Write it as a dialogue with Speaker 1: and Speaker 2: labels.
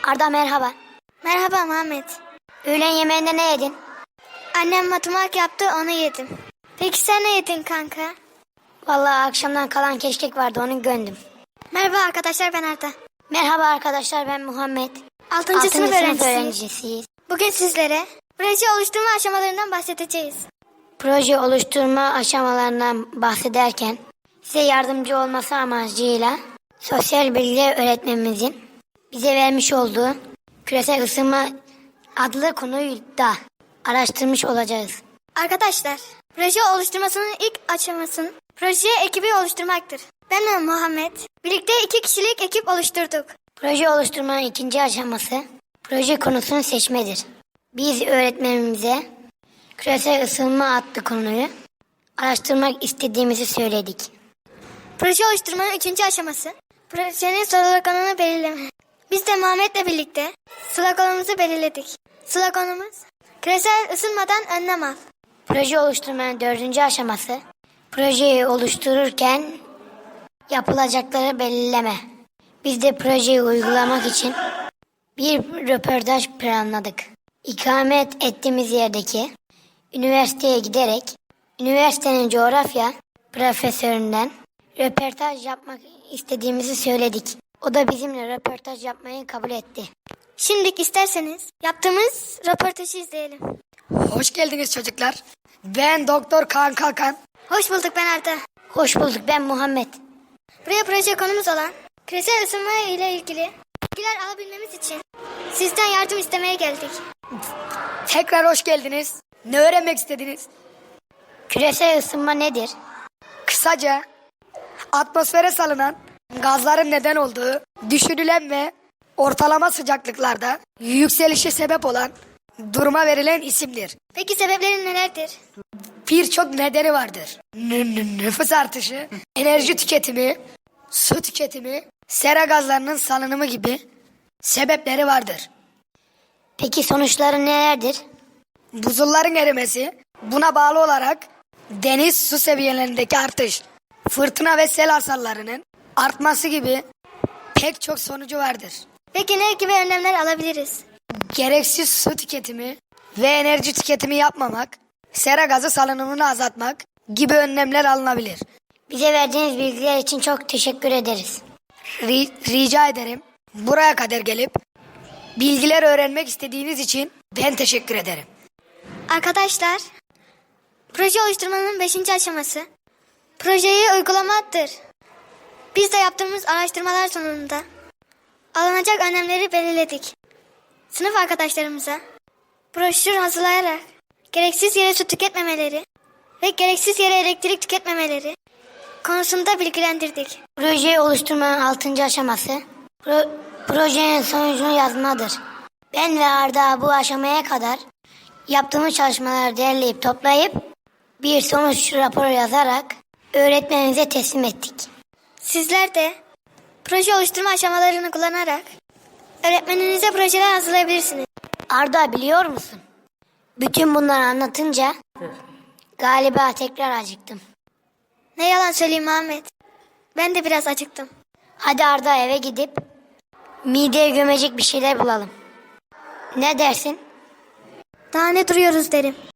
Speaker 1: Arda merhaba.
Speaker 2: Merhaba Muhammed.
Speaker 1: Öğlen yemeğinde ne yedin?
Speaker 2: Annem matımak yaptı, onu yedim. Peki sen ne yedin kanka?
Speaker 1: Vallahi akşamdan kalan keşkek vardı, onu gömdüm.
Speaker 2: Merhaba arkadaşlar, ben Arda.
Speaker 1: Merhaba arkadaşlar, ben Muhammed.
Speaker 2: 6. sınıf öğrencisiyim.
Speaker 1: öğrencisiyiz.
Speaker 2: Bugün sizlere proje oluşturma aşamalarından bahsedeceğiz.
Speaker 1: Proje oluşturma aşamalarından bahsederken size yardımcı olması amacıyla sosyal bilgiler öğretmenimizin bize vermiş olduğu küresel ısınma adlı konuyu da araştırmış olacağız.
Speaker 2: Arkadaşlar, proje oluşturmasının ilk aşaması proje ekibi oluşturmaktır. Ben ve Muhammed birlikte 2 kişilik ekip oluşturduk.
Speaker 1: Proje oluşturmanın ikinci aşaması proje konusunu seçmedir. Biz öğretmenimize küresel ısınma adlı konuyu araştırmak istediğimizi söyledik.
Speaker 2: Proje oluşturmanın 3. aşaması projenin sloganını belirleme. Biz de Muhammed'le birlikte sloganımızı belirledik. Sloganımız küresel ısınmadan önlem al.
Speaker 1: Proje oluşturmanın 4. aşaması projeyi oluştururken yapılacakları belirleme. Biz de projeyi uygulamak için bir röportaj planladık. İkamet ettiğimiz yerdeki üniversiteye giderek üniversitenin coğrafya profesöründen röportaj yapmak istediğimizi söyledik. O da bizimle röportaj yapmayı kabul etti.
Speaker 2: Şimdi isterseniz yaptığımız röportajı izleyelim.
Speaker 3: Hoş geldiniz çocuklar. Ben Doktor Kaan Kalkan.
Speaker 2: Hoş bulduk, ben Arda.
Speaker 1: Hoş bulduk, ben Muhammed.
Speaker 2: Buraya proje konumuz olan küresel ısınma ile ilgili bilgiler alabilmemiz için sizden yardım istemeye geldik.
Speaker 3: Tekrar hoş geldiniz. Ne öğrenmek istediniz?
Speaker 1: Küresel ısınma nedir?
Speaker 3: Kısaca atmosfere salınan gazların neden olduğu düşünülen ve ortalama sıcaklıklarda yükselişe sebep olan duruma verilen isimdir.
Speaker 2: Peki sebepleri nelerdir?
Speaker 3: Birçok nedeni vardır. Nüfus artışı, enerji tüketimi, su tüketimi, sera gazlarının salınımı gibi sebepleri vardır.
Speaker 1: Peki sonuçları nelerdir?
Speaker 3: Buzulların erimesi, buna bağlı olarak deniz su seviyelerindeki artış, fırtına ve sel hasarlarının artması gibi pek çok sonucu vardır.
Speaker 2: Peki ne gibi önlemler alabiliriz?
Speaker 3: Gereksiz su tüketimi ve enerji tüketimi yapmamak, sera gazı salınımını azaltmak gibi önlemler alınabilir.
Speaker 1: Bize verdiğiniz bilgiler için çok teşekkür ederiz.
Speaker 3: Rica ederim. Buraya kadar gelip bilgiler öğrenmek istediğiniz için ben teşekkür ederim.
Speaker 2: Arkadaşlar, proje oluşturmanın 5. aşaması projeyi uygulamaktır. Biz de yaptığımız araştırmalar sonunda alınacak önlemleri belirledik. Sınıf arkadaşlarımıza broşür hazırlayarak gereksiz yere su tüketmemeleri ve gereksiz yere elektrik tüketmemeleri konusunda bilgilendirdik.
Speaker 1: Projeyi oluşturmanın 6. aşaması projenin sonucunu yazmadır. Ben ve Arda bu aşamaya kadar yaptığımız çalışmaları derleyip toplayıp bir sonuç raporu yazarak öğretmenimize teslim ettik.
Speaker 2: Sizler de proje oluşturma aşamalarını kullanarak öğretmeninize projeler hazırlayabilirsiniz.
Speaker 1: Arda, biliyor musun? Bütün bunları anlatınca galiba tekrar acıktım.
Speaker 2: Ne yalan söyleyeyim Muhammed. Ben de biraz acıktım.
Speaker 1: Hadi Arda, eve gidip mideye gömecek bir şeyler bulalım. Ne dersin?
Speaker 2: Daha ne duruyoruz derim.